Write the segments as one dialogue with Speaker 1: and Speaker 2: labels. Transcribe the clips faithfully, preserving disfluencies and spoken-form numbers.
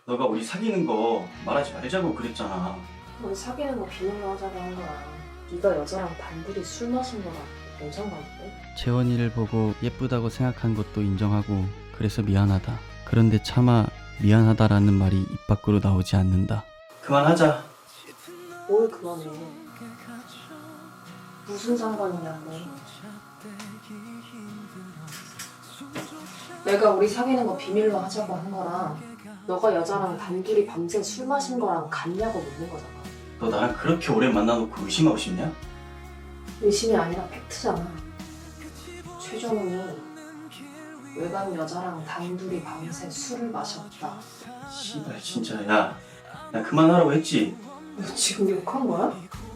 Speaker 1: 너가 우리 사귀는 거 말하지 말자고 그랬잖아.
Speaker 2: 우리 사귀는 거 비밀로 하자고 한 거야. 네가 여자랑 단둘이 술 마신 거랑 뭔 상관인데?
Speaker 3: 재원이를 보고 예쁘다고 생각한 것도 인정하고 그래서 미안하다. 그런데 차마 미안하다라는 말이 입 밖으로 나오지 않는다.
Speaker 1: 그만하자.
Speaker 2: 뭘 그만해. 무슨 상관이냐고. 내가 우리 사귀는 거 비밀로 하자고 한 거랑 너가 여자랑 단둘이 밤새 술 마신 거랑 같냐고 묻는 거잖아.
Speaker 1: 너 나랑 그렇게 오래 만나놓고 의심하고 싶냐?
Speaker 2: 의심이 아니라 팩트잖아. 최종훈이 외간 여자랑 단둘이 밤새 술을 마셨다.
Speaker 1: 씨발 진짜. 야, 나 그만하라고 했지.
Speaker 2: 너 지금 욕한 거야?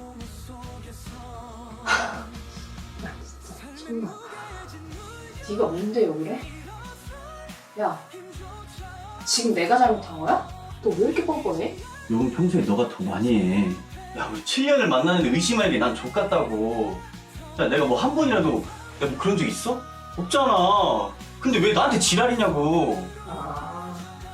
Speaker 2: 야 진짜 정말. 네가 뭔데 욕을 해? 야 지금 내가 잘못한 거야? 너 왜 이렇게 뻔뻔해?
Speaker 1: 욕은 평소에 너가 더 많이 해. 야, 우리 칠 년을 만나는데 의심하는 게 난 족같다고. 야, 내가 뭐 한 번이라도 내가 뭐 그런 적 있어? 없잖아. 근데 왜 나한테 지랄이냐고.
Speaker 2: 아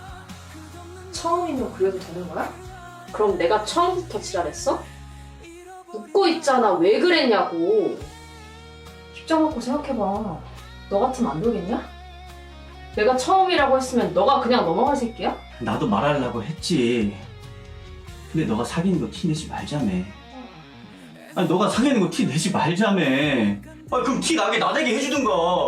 Speaker 2: 처음이면 그래도 되는 거야? 그럼 내가 처음부터 지랄했어? 웃고 있잖아. 왜 그랬냐고. 입장 바꿔 생각해봐. 너 같으면 안 돌겠냐? 내가 처음이라고 했으면 너가 그냥 넘어갈 새끼야?
Speaker 1: 나도 말하려고 했지. 근데 너가 사귀는 거 티 내지 말자며. 아니, 너가 사귀는 거 티 내지 말자며. 아, 그럼 티 나게 나대게 해주든가.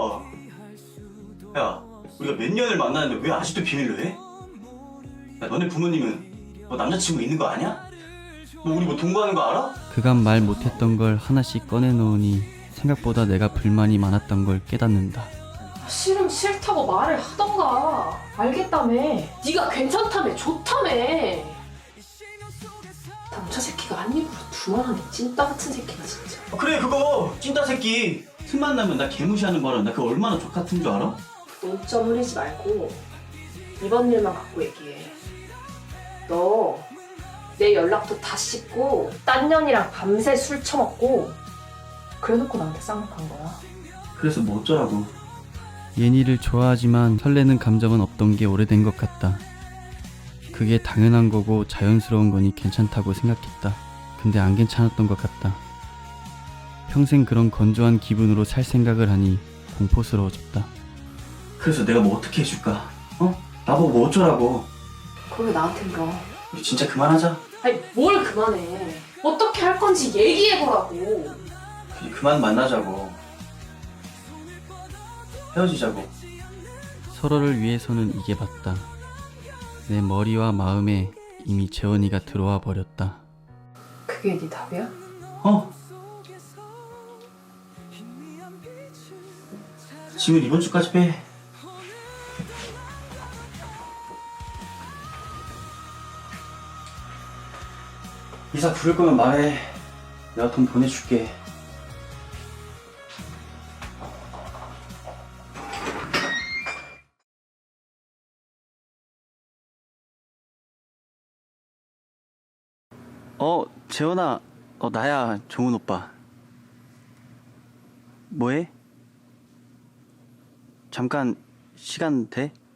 Speaker 1: 야, 우리가 몇 년을 만났는데 왜 아직도 비밀로 해? 야, 너네 부모님은 너 남자친구 있는 거 아냐? 너 우리 뭐 동거하는 거 알아?
Speaker 3: 그간 말 못했던 걸 하나씩 꺼내놓으니 생각보다 내가 불만이 많았던 걸 깨닫는다.
Speaker 2: 싫으면 싫다고 말을 하던가. 알겠다며. 네가 괜찮다며. 좋다며. 남자 새끼가 한 입으로 두말하네. 찐따 같은 새끼가 진짜.
Speaker 1: 아, 그래, 그거 찐따 새끼. 틈만 나면 나 개무시하는 바람. 나 그거 얼마나 족같은 줄 알아?
Speaker 2: 논점 흘리지 말고 이번 일만 갖고 얘기해. 너 내 연락도 다 씻고 딴 년이랑 밤새 술 처먹고 그래놓고 나한테 쌍욕한 거야.
Speaker 1: 그래서 뭐 어쩌라고.
Speaker 3: 예니를 좋아하지만 설레는 감정은 없던 게 오래된 것 같다. 그게 당연한 거고 자연스러운 거니 괜찮다고 생각했다. 근데 안 괜찮았던 것 같다. 평생 그런 건조한 기분으로 살 생각을 하니 공포스러워졌다.
Speaker 1: 그래서 내가 뭐 어떻게 해줄까? 어? 나보고 뭐 어쩌라고.
Speaker 2: 그걸 왜 나한테 물어?
Speaker 1: 우리 진짜 그만하자.
Speaker 2: 아니 뭘 그만해. 어떻게 할 건지 얘기해보라고.
Speaker 1: 그냥 그만 만나자고. 헤어지자고.
Speaker 3: 서로를 위해서는 이게 맞다. 내 머리와 마음에 이미 재원이가 들어와 버렸다.
Speaker 2: 그게 네 답이야?
Speaker 1: 어? 짐을 이번 주까지 빼. 이사 부를 거면 말해. 내가 돈 보내줄게. 어, 재원아. 어, 나야, 종훈 오빠. 뭐해? 잠깐 시간 돼?